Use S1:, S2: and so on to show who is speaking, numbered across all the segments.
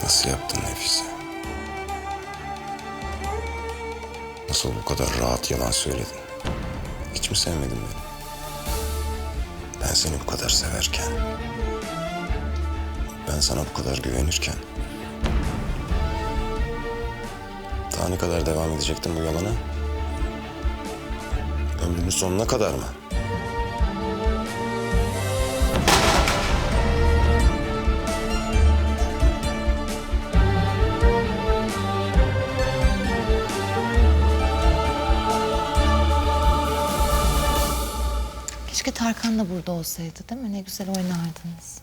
S1: Nasıl yaptın Nefise? Nasıl bu kadar rahat yalan söyledin? Hiç mi sevmedin beni? Ben seni bu kadar severken, ben sana bu kadar güvenirken, daha ne kadar devam edecektin bu yalana? Ömrünün sonuna kadar mı?
S2: Keşke Tarkan da burada olsaydı, değil mi? Ne güzel oynardınız.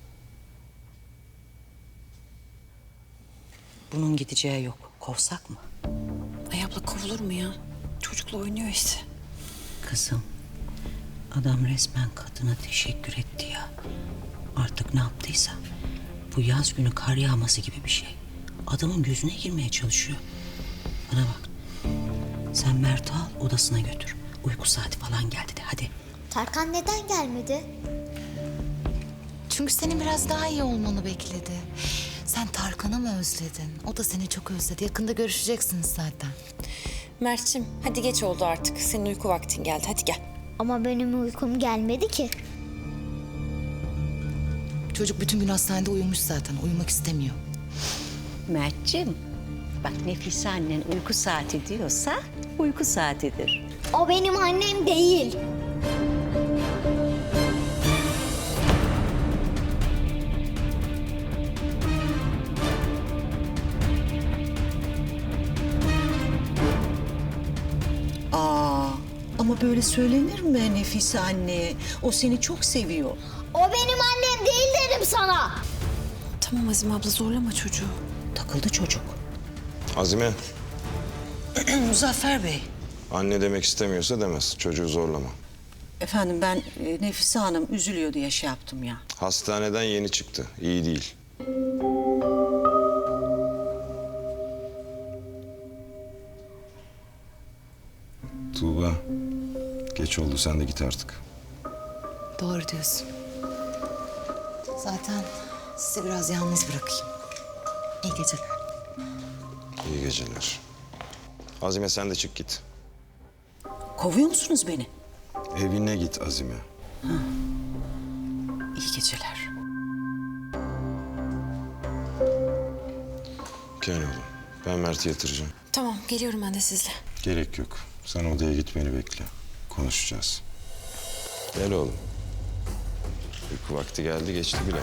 S3: Bunun gideceği yok. Kovsak mı?
S4: Ay abla kovulur mu ya? Çocukla oynuyor işte.
S3: Kızım, adam resmen kadına teşekkür etti ya. Artık ne yaptıysa. Bu yaz günü kar yağması gibi bir şey. Adamın gözüne girmeye çalışıyor. Bana bak. Sen Mert'i al, odasına götür. Uyku saati falan geldi de hadi.
S5: Tarkan neden gelmedi?
S2: Çünkü senin biraz daha iyi olmanı bekledi. Sen Tarkan'ı mı özledin? O da seni çok özledi. Yakında görüşeceksiniz zaten.
S4: Mert'cim hadi geç oldu artık. Senin uyku vaktin geldi. Hadi gel.
S5: Ama benim uykum gelmedi ki.
S2: Çocuk bütün gün hastanede uyumuş zaten. Uyumak istemiyor.
S3: Mert'cim, bak Nefise annen uyku saati diyorsa uyku saatidir.
S5: O benim annem değil.
S3: Ama böyle söylenir mi Nefise anne? O seni çok seviyor.
S5: O benim annem değil dedim sana.
S4: Tamam Azime abla zorlama çocuğu.
S3: Takıldı çocuk.
S1: Azime,
S3: Muzaffer Bey.
S1: anne demek istemiyorsa demez. Çocuğu zorlama.
S3: Efendim ben Nefise Hanım üzülüyor diye şey yaptım ya.
S1: Hastaneden yeni çıktı. İyi değil. Tuğba, geç oldu. Sen de git artık.
S2: Doğru diyorsun. Zaten sizi biraz yalnız bırakayım. İyi geceler.
S1: İyi geceler. Azime sen de çık git.
S3: Kovuyor musunuz beni?
S1: Evine git Azime.
S3: İyi geceler.
S1: Gel oğlum. Ben Mert'i yatıracağım.
S4: Tamam geliyorum ben de sizle.
S1: Gerek yok. Sen odaya gitmeni bekle. Konuşacağız. Gel oğlum. Uyku vakti geldi, geçti bile.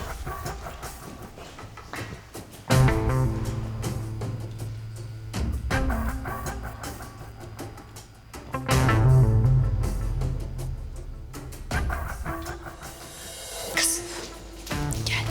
S4: Gel.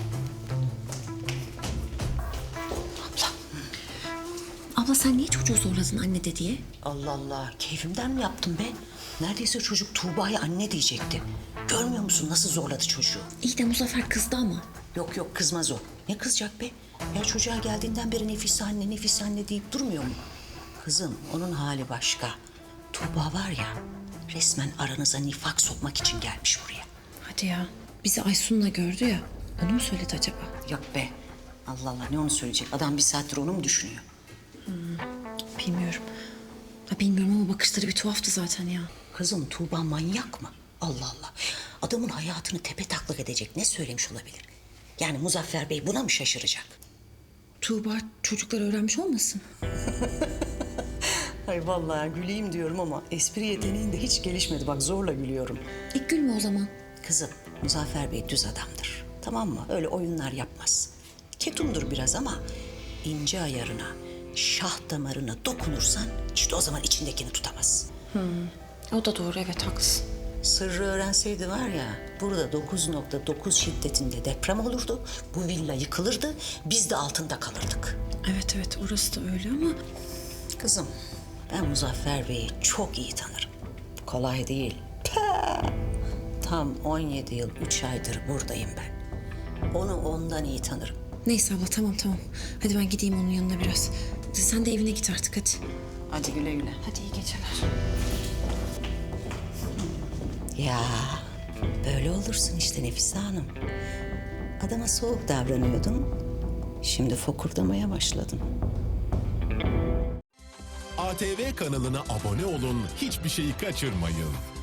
S4: Abla sen niye çocuğu zorladın anne de diye?
S3: Allah Allah, keyfimden mi yaptım be? Neredeyse çocuk Tuğba'ya anne diyecekti. Görmüyor musun nasıl zorladı çocuğu?
S4: İyi de Muzaffer kızdı ama.
S3: Yok yok kızmaz o. Ne kızacak be? Ya çocuğa geldiğinden beri Nefise anne deyip durmuyor mu? Kızım onun hali başka. Tuğba var ya resmen aranıza nifak sokmak için gelmiş buraya.
S4: Hadi ya. Bizi Aysun'la gördü ya. Onu mu söyledi acaba?
S3: Yok be. Allah Allah ne onu söyleyecek? Adam bir saattir onu mu düşünüyor?
S4: Bilmiyorum. Ha, bilmiyorum ama bakışları bir tuhaftı zaten ya.
S3: Kızım Tuğba manyak mı? Allah Allah. Adamın hayatını tepe taklak edecek ne söylemiş olabilir? Yani Muzaffer Bey buna mı şaşıracak?
S4: Tuğba çocuklar öğrenmiş olmasın?
S3: Ay vallahi güleyim diyorum ama espri yeteneğin de hiç gelişmedi. Bak zorla gülüyorum.
S4: İlk gülme o zaman.
S3: Kızım Muzaffer Bey düz adamdır. Tamam mı? Öyle oyunlar yapmaz. Ketumdur biraz ama ince ayarına, şah damarına dokunursan işte o zaman içindekini tutamaz.
S4: O da doğru evet haklısın.
S3: Sırrı öğrenseydi var ya burada 9.9 şiddetinde deprem olurdu. Bu villa yıkılırdı. Biz de altında kalırdık.
S4: Evet evet orası da öyle ama
S3: Kızım ben Muzaffer Bey'i çok iyi tanırım. Kolay değil. Pah! Tam 17 yıl 3 aydır buradayım ben. Onu ondan iyi tanırım.
S4: neyse abla tamam. Hadi ben gideyim onun yanına biraz. Sen de evine git artık hadi.
S3: Hadi güle güle.
S4: Hadi iyi geceler.
S3: Ya böyle olursun işte Nefise Hanım. Adama soğuk davranıyordun. Şimdi fokurdamaya başladın.
S6: ATV kanalına abone olun, hiçbir şeyi kaçırmayın.